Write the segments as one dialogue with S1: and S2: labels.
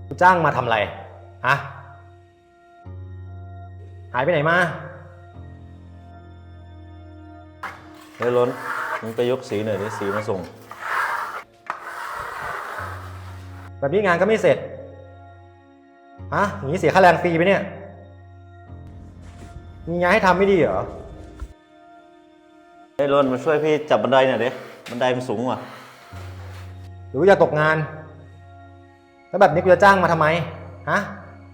S1: จ้างมาทำอะไรฮะหายไปไหนมา
S2: เฮ้ยล้นมึงไปยกสีหน่อยดิสีมาส่ง
S1: แบบนี้งานก็ไม่เสร็จฮะอย่างนี้เสียค่าแรงฟรีไปเนี่ยมีงานให้ทำไม่ดีเหรอ
S2: เฮ้ยล้นมาช่วยพี่จับบันไดหน่อยดิบันไดมันสูงว่ะ
S1: หรือว่าจะตกงานแล้วแบบนี้กูจะจ้างมาทำไมฮะ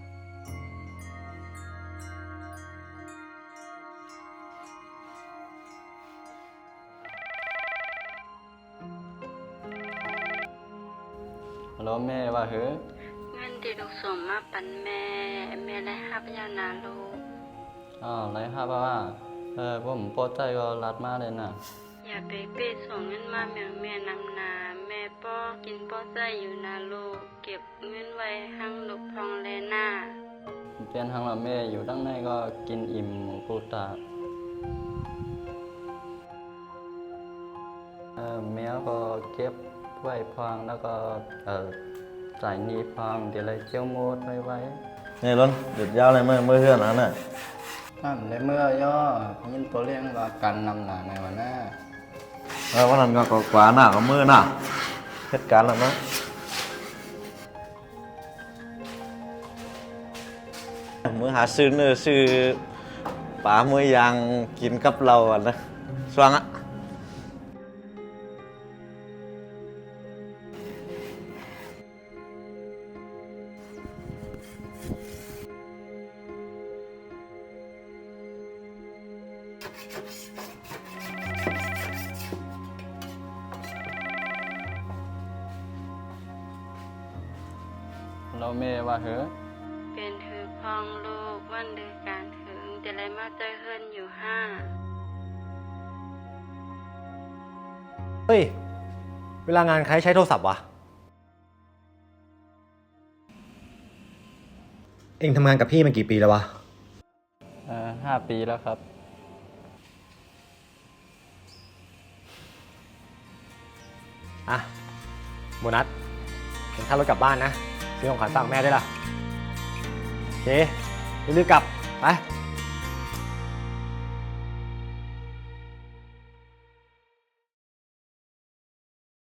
S3: ฮัลโหลแม่ว่าเฮ้ย
S4: เงินที่ลูกส่งมาปันแม่ได้หับยานาลูก
S3: ไรครับว่าผมพอใจก็รัดมาเลยนะ
S4: อย่าไปเป้ส่งเงินมาแม่นำนาแม่ป้อกินป้อใจอยู่นาลูกเก็บเงินไว้หั่งลูกพองแลหน้า
S3: เปลี่ยนทางเราแม่อยู่ตั้งในก็กินอิ่มพูดตาแมวก็เก็บไว้พองแล้วก็จ่ายหนี้พองเดี๋ยวเลยเจียวโมดไว้
S2: เฮ้ยล้นหยุดยาวเลยเมื่อเพื่อนนั้นน่ะ
S3: ในเมื่อย่อยินตัวเลี้ยงว่ากันนำหนาในวันหน้า
S2: วันนั้นก็กว่าหน้าก็มือหน้าเหตุการณ์แล้วมั้งมือหาซื้อเนื้อซื้อปลามือยางกินกับเราอ่ะนะสว่างอ่ะ
S3: เราแม่ว่าเฮ้ย
S4: เป็นถือพองลูกวันเดือนการถึงจะเลยมาใจเฮิรนอยู่ห้า
S1: เฮ้ยเวลางานใครใช้โทรศัพท์วะเอ็งทำงานกับพี่มากี่ปีแล้ววะ
S3: 5 ปีแล้วครับ
S1: อ่ะโบนัสเป็นค่ารถกลับบ้านนะซื้อของขวัญฝากแม่ด้วยล่ะโอเครีบกลับไป